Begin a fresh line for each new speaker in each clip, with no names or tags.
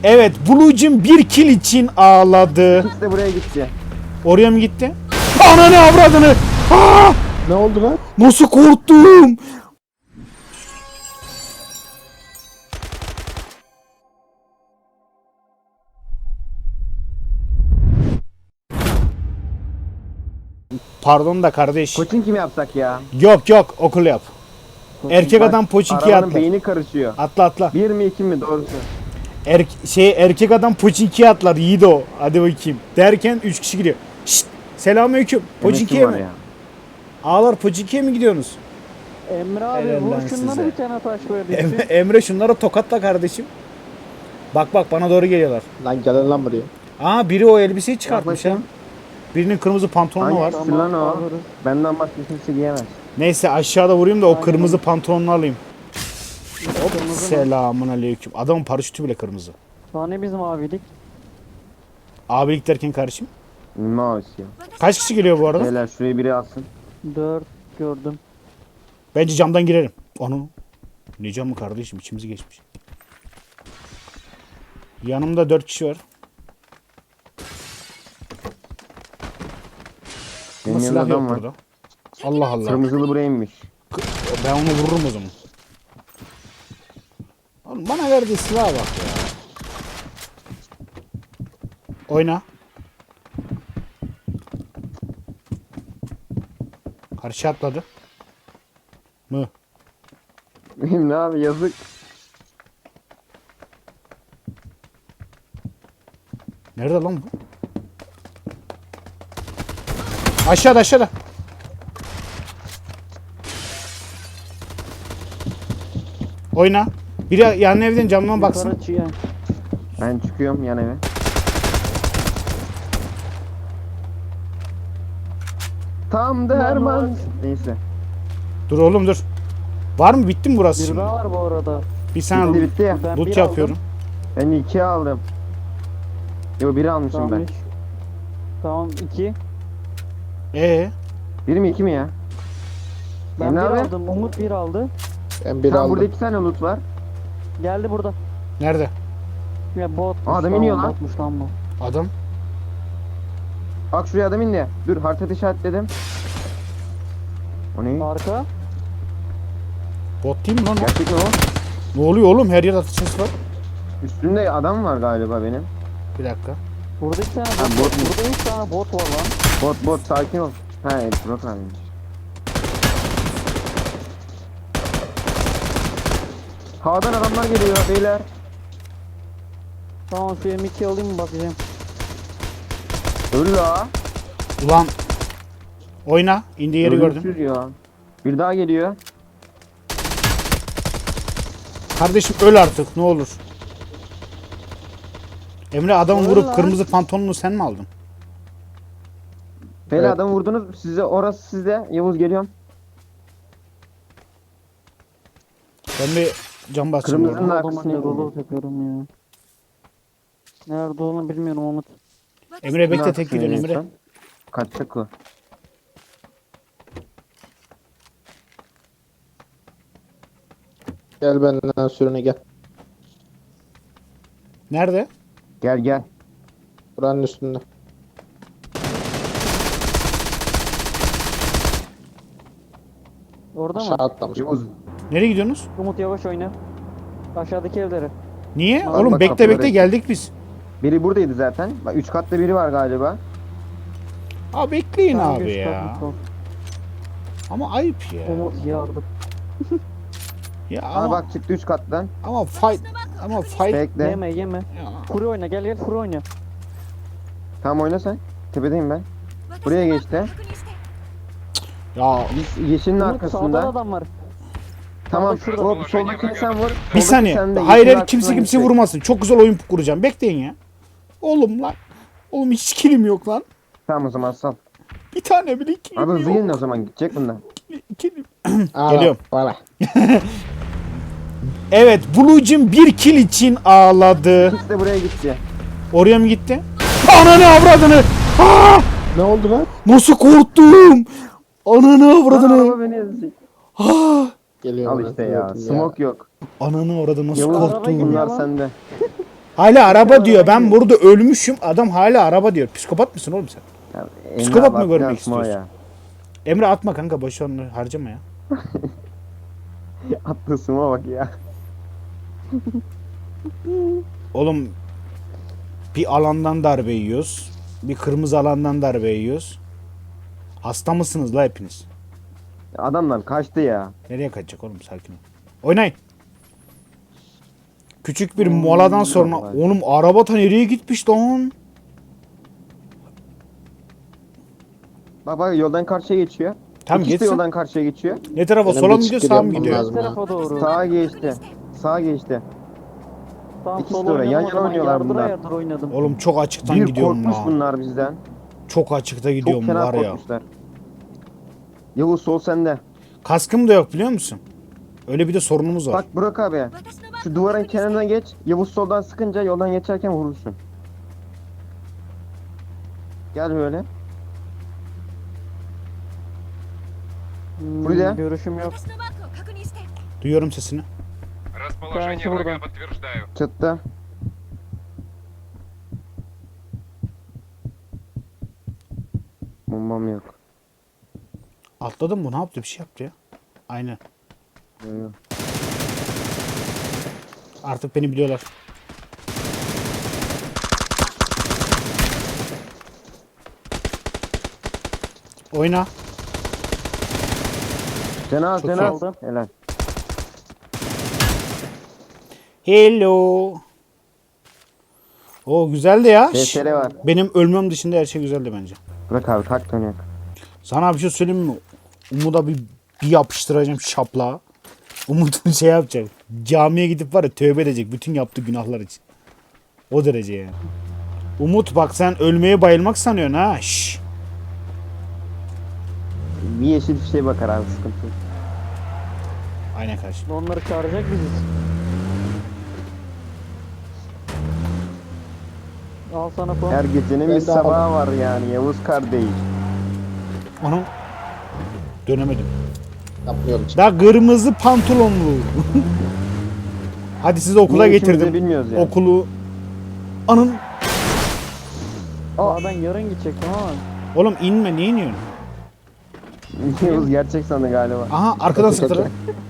Evet, Blue'cum bir kill için ağladı.
İkisi de buraya gitti.
Oraya mı gitti? Ananı avradını! Aa!
Ne oldu lan?
Nasıl korktum? Pardon da kardeş.
Koçin kim yapsak ya?
Yok yok, okul yap. Erkek adam poçinkiye
Arabanın
atlar.
beyni karışıyor.
Atla atla.
1 mi 2 mi doğrusu?
Erkek adam poçinkiye atlar. Yiğit o. Hadi bakayım. Derken 3 kişi gidiyor. Şşt. Selamünaleyküm. Poçinkiye
Demek ki
mi?
var ya.
Ağlar poçinkiye mi gidiyorsunuz?
Emre abi
Helal lan
vur şunları
size.
bir tane taş verdiysin.
Emre şunları tokatla kardeşim. Bak bak bana doğru geliyorlar.
Lan gelin lan buraya.
Aa biri o elbiseyi çıkartmış ha.
bakayım.
Birinin kırmızı pantolonu var.
Hangisi lan o?
alırız.
Benden başka kimse giyemez.
Neyse aşağıda vurayım da o
Aynen.
kırmızı pantolonunu alayım.
Kırmızı mı?
Selamun aleyküm. Adamın paraşütü bile kırmızı.
Daha ne bizim abilik?
Abilik derken kardeşim.
Mouse ya.
Kaç kişi geliyor bu arada?
Beyler şurayı biri alsın.
4 gördüm.
Bence camdan girerim. Onu. Ne camı kardeşim, içimizi geçmiş. Yanımda 4 kişi var.
Benim
Ama
yanımda
silah yok
adam var.
burada. Allah Allah.
Kırmızılı buraya inmiş.
Ben onu vururum o zaman. Oğlum bana verdiği silaha bak ya. Oyna. Karşı atladı. Mı?
Benim ne abi yazık.
Nerede lan bu? Aşağıda aşağıda. Oyna. Biri yan evden camdan baksın.
Yukarı çıyan.
Ben çıkıyorum yan eve. Tam derman. Neyse.
Dur oğlum dur. Var mı? Bitti mi burası
Bir
şimdi?
daha var bu arada.
Bir saniye
Bitti bitti.
Ben
loot
bir
yapıyorum.
Ben 2 aldım. Yo 1 almışım
Tamam,
ben.
üç. Tamam 2.
Ee,
1 mi 2 mi ya?
Ben
Emre
1
abi?
aldım. Umut 1 aldı.
Ben bir
Tamam
aldım.
burada 2 tane loot var.
Geldi burada.
nerede?
Ya bot.
Adam iniyor lan.
Botmuş lan bu.
Adam.
Bak şuraya adam indi. Dur haritada işaretledim. O ne?
Arka.
Bot değil mi lan o?
Gerçek mi o?
Ne oluyor oğlum? Her yerde atış sesi var.
Üstünde adam var galiba benim.
Bir dakika.
Burada 2 tane
Ha,
bot.
bot mu?
Burada 3 tane bot var lan.
Bot sakin ol. Ha evet Burak abiymiş. Havadan adamlar geliyor beyler.
Tamam şu M2 alayım mı bakacağım.
Öl la.
Ulan. Oyna. İndiği yeri gördüm.
Ölümsüz ya. Bir daha geliyor.
Kardeşim öl artık ne olur. Emre adamı
Öl
vurup
lan.
kırmızı pantolonunu sen mi aldın?
Beyler
Evet.
adamı vurdunuz. Size orası sizde. Yavuz geliyorum.
Ben bir cam basacağım.
Kırmızı-
orada.
Bunun
Adamın
arkasına
yolu
gidiyor.
takıyorum ya. Nerede olduğunu bilmiyorum Umut.
Emre bekle
Bunun
tek gidiyorsun
arkasına
Emre.
geçsem. Kaçacak o.
Gel benden sürüne gel.
Nerede?
Gel gel.
Buranın üstünde.
Orada
Aşağı
mı?
atlamış.
Yavuz.
Nereye gidiyorsunuz?
Umut yavaş oyna. Aşağıdaki evlere.
Niye?
Bak,
Oğlum
bak,
bekle
kapıları
bekle
açın.
geldik biz.
Biri buradaydı zaten. Bak 3 katlı biri var galiba.
Abi bekleyin
Tamam,
abi
geç
ya.
kalkmış ol.
Ama ayıp ya.
Umut yardım.
Ya
Aa
ama
bak çıktı 3 kattan.
ama fight
Bekle.
Yeme yeme.
ya.
Furi oyna gel Furi oyna.
Tamam oyna sen. Tepedeyim ben. Buraya geçti.
Ya
Biz yeşilin
Umut
arkasında.
sağda adam var.
Tamam.
Şurada.
O soldakini sen vur.
bir
Soldaki
saniye.
sen de
Hayır
yeşilin
hayır kimse
arkasına
kimse
gidecek.
vurmasın. Çok güzel oyun kuracağım. Bekleyin ya. Oğlum lan. Oğlum hiç kilim yok lan.
Tamam o zaman sal.
Bir tane bile kilim
Abi hızlı
yok.
gelin o zaman gidecek bunlar.
Kilim.
Ağla,
Geliyorum.
Bana.
Evet Blue'cum bir kill için ağladı.
İkisi de buraya gitti.
Oraya mı gitti? Ananı avradını. Aa!
Ne oldu lan?
Nasıl korktum? Ananı avradını.
Araba beni ezecek.
Geliyorum.
Al
ben,
işte ya.
gördüm
Smoke yok.
Ananı avradını nasıl
Yavuz
Araba
korktum?
gidiyor.
bunlar
lan.
sende.
Hala araba diyor. Ben burada ölmüşüm. Adam hala araba diyor. Psikopat mısın oğlum sen?
Ya,
Psikopat
Emre
mı
abi,
görmek
atma
istiyorsun?
ya.
Emre atma kanka. Boş ver onu harcama ya.
Attığı smoke'a bak ya.
Oğlum bir alandan darbe yiyoruz. Bir kırmızı alandan darbe yiyoruz. Hasta mısınız la hepiniz?
Adamlar kaçtı ya.
Nereye kaçacak oğlum, sakin ol. Oynayın. Küçük bir moladan sonra
vallahi.
oğlum araba ta nereye gitmiş lan?
Bak bak yoldan karşıya geçiyor.
Tam
İkisi de
geçsin.
yoldan karşıya geçiyor.
Ne tarafa,
Benim
sola
bir
mı gidiyor
çıkır
sağa mı
yapmam
gidiyor?
lazım.
Bu tarafa doğru.
Sağa geçti. Sağa geçti.
Tamam,
İkisi
sol
de oraya, yan
oynadım o
yana
zaman.
oynuyorlar
Yardıra
bunlar.
yardıra oynadım.
Oğlum çok açıktan
Bir
gidiyorum
korkmuş
la.
bunlar bizden.
Çok açıkta
Çok
gidiyorum
fena
var ya.
korkmuşlar. Yavuz sol sende.
Kaskım da yok biliyor musun? Öyle bir de sorunumuz var.
Bak Burak abi. Şu duvarın kenarına geç. Yavuz soldan sıkınca yoldan geçerken vurursun. Gel böyle. Buraya.
Görüşüm yok.
Duyuyorum sesini.
Расположение
Дальше
врага
врага.
подтверждаю.
Çıktı. Bombam yok.
Atladım mı? Ne yaptı? Bir şey yaptı ya. Aynen.
Yok, yok.
Artık beni biliyorlar. Oyna.
Cenaz
Çok
Cenaz.
iyi.
Helal.
Hello. O güzeldi ya. Şş,
DSR var.
benim ölmem dışında her şey güzeldi bence.
Bırak abi kalk dönüyor.
Sana bir şey söyleyeyim mi? Umut'a bir yapıştıracağım şapla. Umut'un şey yapacak. Camiye gidip var ya tövbe edecek bütün yaptığı günahlar için. O derece yani. Umut bak sen ölmeye bayılmak sanıyorsun ha. Şşş.
Bir yeşil fişeğe bakar abi sıkıntı yok.
Aynen kardeşim.
Onları çağıracak biziz. Al sana puan.
Her gecenin
Ben
bir
de
sabahı var yani Yavuz kardeş.
Onu dönemedim.
Yapmıyorum.
Daha kırmızı pantolonlu. Hadi sizi okula
Niye ikimiz de
getirdim.
bilmiyoruz yani.
Okulu. Anın.
Aa, ben yarın gidecektim ama.
Oğlum inme, niye iniyorsun?
Yavuz gerçek sandı galiba.
Aha arkadan sıktılar.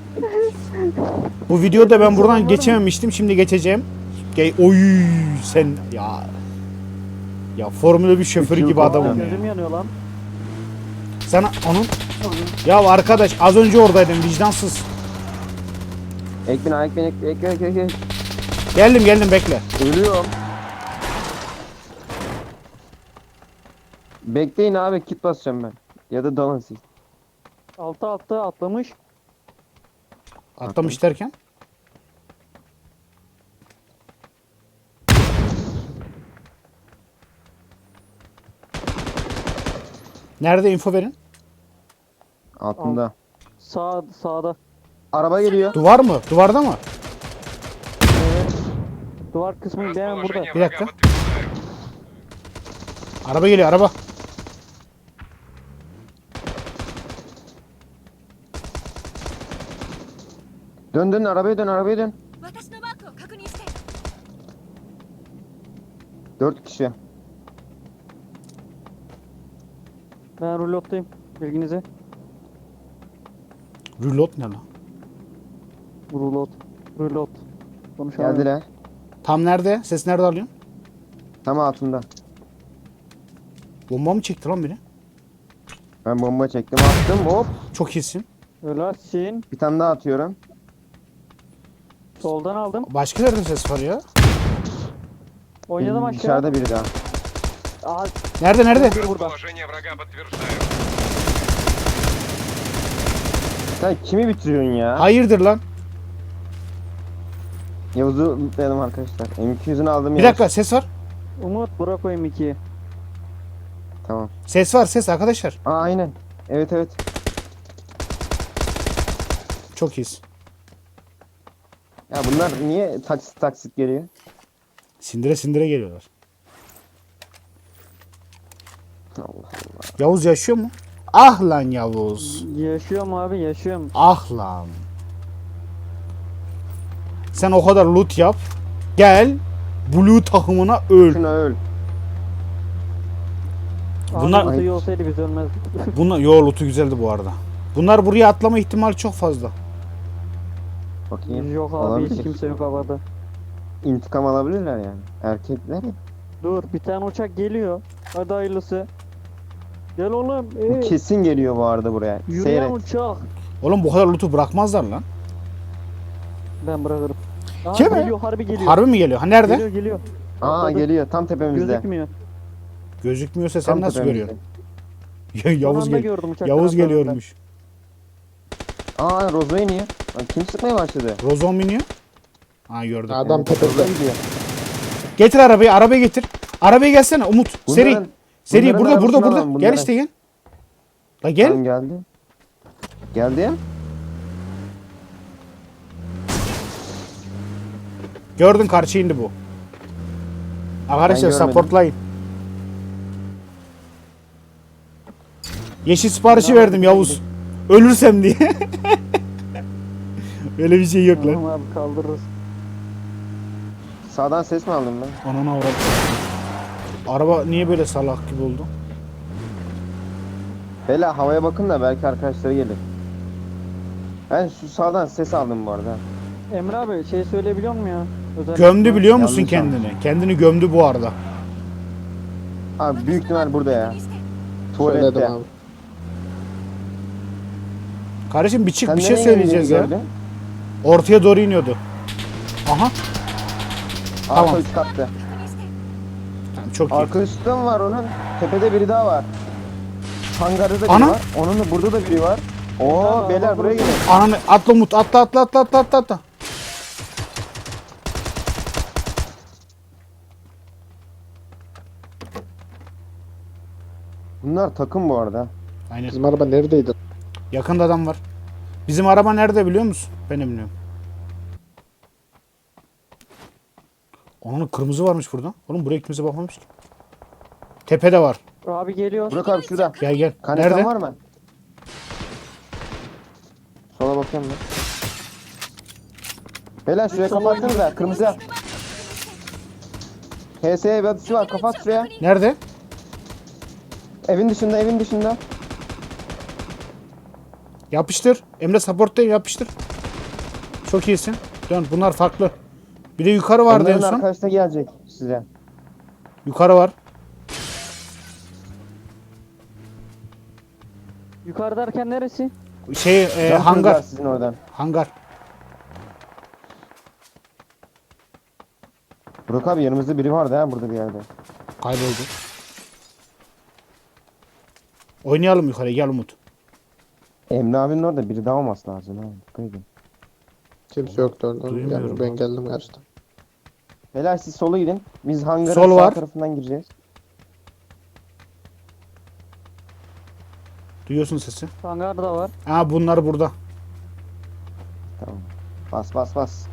Bu videoda ben buradan geçememiştim. Şimdi geçeceğim. Oy sen ya. Ya Formula 1 şoförü
Üç
gibi
yıl
adamım ya.
Gözüm yanıyor lan.
Sana onun. Ya arkadaş az önce oradaydım vicdansız.
Ekbin.
Geldim bekle.
Ölüyorum. Bekleyin abi kit basacağım ben. Ya da dalın siz.
Altta atlamış.
Atlamış derken. Nerede info verin?
Altında.
Sağda.
Araba geliyor.
Duvar mı? Duvarda mı?
Duvar kısmı hemen burada.
Расположение
Bir
врага
dakika.
подтверждаю.
Araba geliyor araba.
Dön arabaya dön.
私のマークを確認して
4 kişi.
Ben rulottayım. Bilginize.
Rülot ne lan?
Rulot. Konuşamıyorum.
Geldiler.
Tam nerede? Ses nerede alıyorsun?
Tam altında.
Bomba mı çekti lan biri?
Ben bomba çektim attım hop.
Çok iyisin.
Ölersin.
Bir tane daha atıyorum.
Soldan aldım.
Başka nerede ses var ya?
Oynadım aşağı.
Dışarıda biri daha.
Aa,
Nerede?
bir burada.
Расположение врага подтверждаю.
Sen kimi bitiriyorsun ya?
Hayırdır lan?
Yavuz'u lootlayalım arkadaşlar. M200'ünü aldım
Bir
Yavuz.
dakika ses var.
Umut bırak o M2'yi.
Tamam.
Ses var ses arkadaşlar.
Aa aynen. Evet.
Çok iyisin.
Ya bunlar niye taksit geliyor?
Sindire geliyorlar.
Allah Allah.
Yavuz yaşıyor mu? Ah lan Yavuz.
Yaşıyorum abi yaşıyorum.
Ah lan. Sen o kadar loot yap. Gel. Blue takımına öl.
Şuna öl.
Bunlar-
Bunlar iyi olsaydı biz ölmezdik.
Bunlar yo lootu güzeldi bu arada. Bunlar buraya atlama ihtimali çok fazla.
Bakayım.
Yok abi
Olabilir.
hiç kimse yok havada.
İntikam alabilirler yani. Erkekler ya.
Dur bir tane uçak geliyor. Hadi hayırlısı. Gel oğlum.
Bu kesin geliyor bu arada buraya.
Yürüyen
Seyret.
uçak.
Oğlum bu kadar lootu bırakmazlar lan.
Ben bırakırım. Aa,
Kim?
geliyor harbi geliyor.
Harbi mi geliyor? Ha nerede?
Geliyor geliyor.
Aa
Atladı.
geliyor tam tepemizde.
Gözükmüyor.
Gözükmüyorsa sen
Tam
nasıl
tepemizde.
görüyorsun?
Son
Yavuz
anda
gel.
gördüm uçaktan
Yavuz
atladığında.
geliyormuş.
Aa Rozo iniyor. Lan kim sıkmaya başladı?
Rozon biniyor. Ha gördüm.
Adam
Evet,
tepede.
Rozo gidiyor.
Getir arabayı, arabayı getir. Arabaya gelsene Umut. Seri.
Bunların-
Seri
bunların
burada
arasına
burada.
alalım,
Gel
bunların.
işte gel. La gel.
Tamam geldi. Geldi ya.
Gördün karşı indi bu. Arkadaşlar
Ben görmedim.
supportlayın. Yeşil siparişi verdim Yavuz. Ölürsem diye. Öyle bir şey yok lan.
Tamam abi kaldırırız.
Sağdan ses mi aldım ben?
Anana avradım. Araba niye böyle salak gibi oldu?
Bela havaya bakın da belki arkadaşları gelir. Ben şu sağdan ses aldım bu arada.
Emre abi şey söyleyebiliyor musun ya? Özellikle-
Gömdü biliyor musun
Yanlış
kendini? Kendini gömdü bu arada.
Abi büyük ihtimal burada ya.
Söyledim
Tuvalette.
abi.
Kardeşim bir çık
Sen
bir şey
nereye
söyleyeceğiz
indiğini
ya.
gördün?
Ortaya doğru iniyordu. Aha. Tamam.
Arka üst katta.
Tamam, çok iyi.
Arka üstte mi var onun? Tepede biri daha var. Hangarda da biri
Ana!
var. Onun da burada da biri var. Oo
Abi,
beyler
araba
buraya gelin.
Ananı atla Umut atla atla atla atla atla atla.
Bunlar takım bu arada.
Aynen.
Bizim araba neredeydi?
Yakında adam var. Bizim araba nerede biliyor musun? Ben de bilmiyorum. Onun kırmızı varmış burada. Oğlum buraya kimse bakmamış ki. Tepede var.
Abi geliyor.
Burak abi şurada.
Gel gel.
Kanetan
Nerede?
var mı? Sola bakıyorum ben. Beyler şuraya kapattınız da kırmızı. HS'ye bir atışı var kapat şuraya.
Nerede?
Evin dışında evin dışında.
Yapıştır. Emre supporttayım yapıştır. Çok iyisin. Dön bunlar farklı. Bir de yukarı vardı en
Onların
son.
arkadaşı da gelecek size.
Yukarı var.
Yukarı derken neresi?
Şey
Can
hangar.
kırdılar sizin oradan.
Hangar.
Burak abi yanımızda biri vardı ha burada bir yerde.
Kayboldu. Oynayalım yukarı gel Umut.
Emre abinin orada biri daha olması lazım ha. Dikkat edin.
Kimse yoktu orada.
Duymuyorum
Yani ben
abi.
geldim gerçekten.
Beyler siz sola gidin. Biz hangarın
Sol
sağ
var.
tarafından gireceğiz.
Duyuyorsun sesi.
Hangarda var.
Aa bunlar burada.
Tamam. Bas bas bas.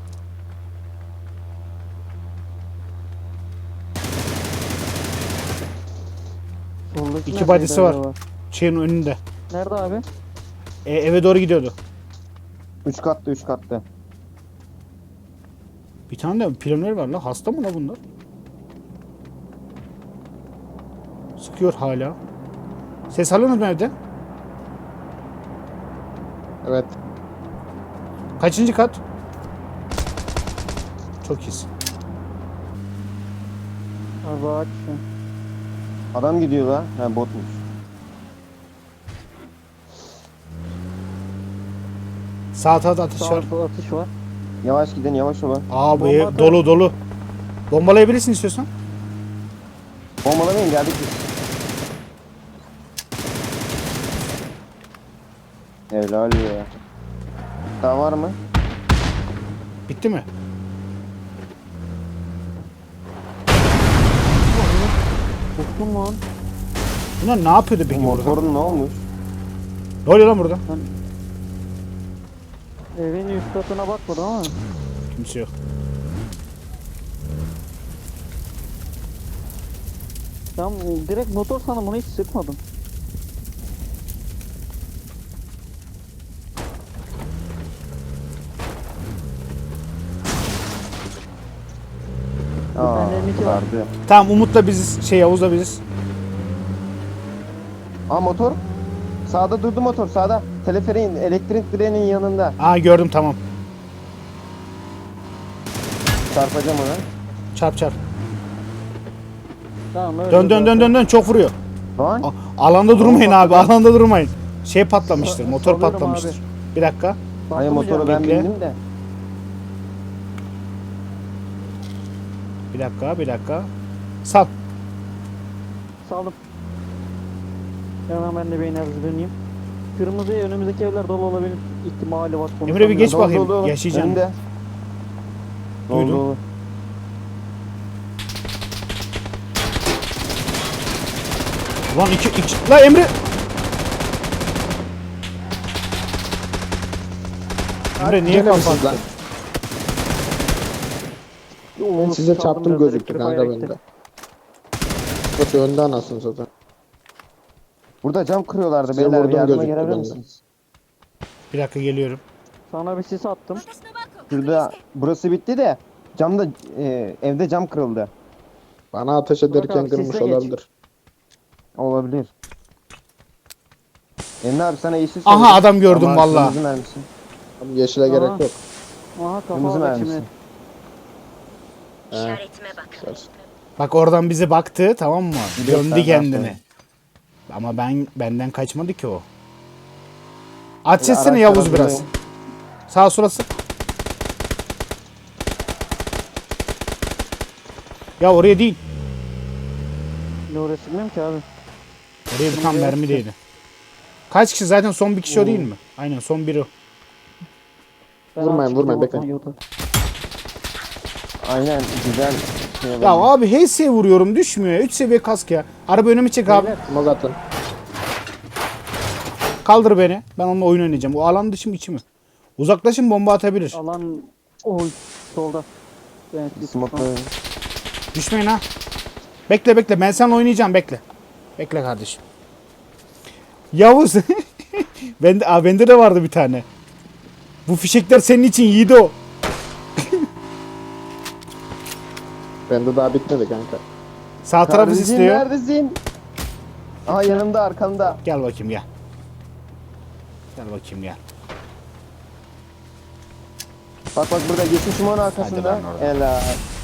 Soldaki
İki
neredeydi
badisi var.
acaba?
Şeyin önünde.
Nerede abi?
Eve doğru gidiyordu.
3 katlı 3 katlı.
Bir tane de planör var la. Hasta mı la bunlar? Sıkıyor hala. Ses alıyorsunuz mu evde?
Evet.
Kaçıncı kat? Çok iyisin.
Abi ağaç.
Adam gidiyor la. Ha botmuş.
Sağ tarafta atış var.
Sağda atış var.
Yavaş gidin yavaş olun.
Aa bu
Bomba
ev
atar.
dolu dolu. Bombalayabilirsin istiyorsan.
Bombalamayın geldik biz. Helal ya. Daha var mı?
Bitti mi?
Korktum lan.
Bunlar ne yapıyordu
Bu
peki burada?
motorun ne olmuş?
Ne oluyor lan burada?
Evin üst katına bakmadım ama.
Kimse yok.
Ben direkt motor sandım bunu hiç sıkmadım.
Aa,
Bende M2 var.
vardı.
Tamam Umut'la biziz. Şey Yavuz'la biziz.
Aa motor. Sağda durdu motor sağda. Teleferiğin elektrik direğinin yanında.
Aa gördüm tamam.
Çarpacağım ona.
Çarp çarp.
Tamam öyle.
Dön dön dön dön dön çok vuruyor.
Lan.
Alanda durmayın abi. Alanda durmayın. Şey patlamıştır. Motor
Salıyorum
patlamıştır.
abi.
Bir dakika.
Hayır motoru ben
Bekle.
bindim de.
Bir dakika. Sal.
Saldım. Hemen ben de beyni hazırlanayım. Kırmızı önümüzdeki evler dolu olabilir ihtimali var.
Emre bir geç
Dolu,
bakayım.
dolu.
Yaşayacağım.
Önümde. Dolu,
Duydum.
dolu.
Lan iki. La Emre. Emre niye
Gene misiniz
kapattın?
lan? Ben size çarptım gözüktü kanka bende. Kötü önde anasını satayım.
Burada cam kırıyorlardı
Size
beyler. Bir
vurdum
yardıma
gözüktü
gelebilir
bende.
misiniz?
Bir dakika geliyorum.
Sana bir sis attım.
Şurada burası bitti de camda evde cam kırıldı.
Bana ateş ederken
abi,
kırmış
sisle geç.
olabilir.
Olabilir. Emre abi sana yeşil
Aha,
söyledim.
adam gördüm
Ama
vallahi.
kırmızı mermisi.
Abi yeşile
Aha.
gerek yok.
Aha
Kırmızı
kafa
mermisi.
şimdi.
İşaretime bakın.
Bak oradan bize baktı tamam mı?
Bir de
Döndü
senden
kendine.
sonra.
Ama benden kaçmadı ki o. Aç etsene
araçlara
Yavuz biraz.
durayım.
Sağ surası. Ya oraya değil.
Ne orası bilmiyorum ki abi.
Oraya bir tam mermi değdi. Kaç kişi zaten son bir kişi o değil mi? Aynen son biri o.
Ben
Vurmayın,
açık
vurmayın,
bir
bekle.
ortam yolda.
Aynen güzel. Şey
Ya abi HS vuruyorum düşmüyor ya. 3 seviye kask ya. Araba önüme çek abi.
Beyler,
Smoke atın.
Kaldır beni. Ben onunla oyun oynayacağım. O alan dışı mı içi mi? Uzaklaşın bomba atabilir.
alan oy solda. Evet,
Smoke
Düşmeyin ha. Bekle ben seninle oynayacağım bekle. Bekle kardeşim. Yavuz. bende de vardı bir tane. Bu fişekler senin için Yiğido.
Bende daha bitmedi kanka.
Sağ tarafı
Kardeşim
istiyor.
neredesin? Aha yanımda arkamda.
Gel bakayım gel. Gel bakayım gel.
Bak burada yeşil şumanın arkasında.
lan oradan.
Helal.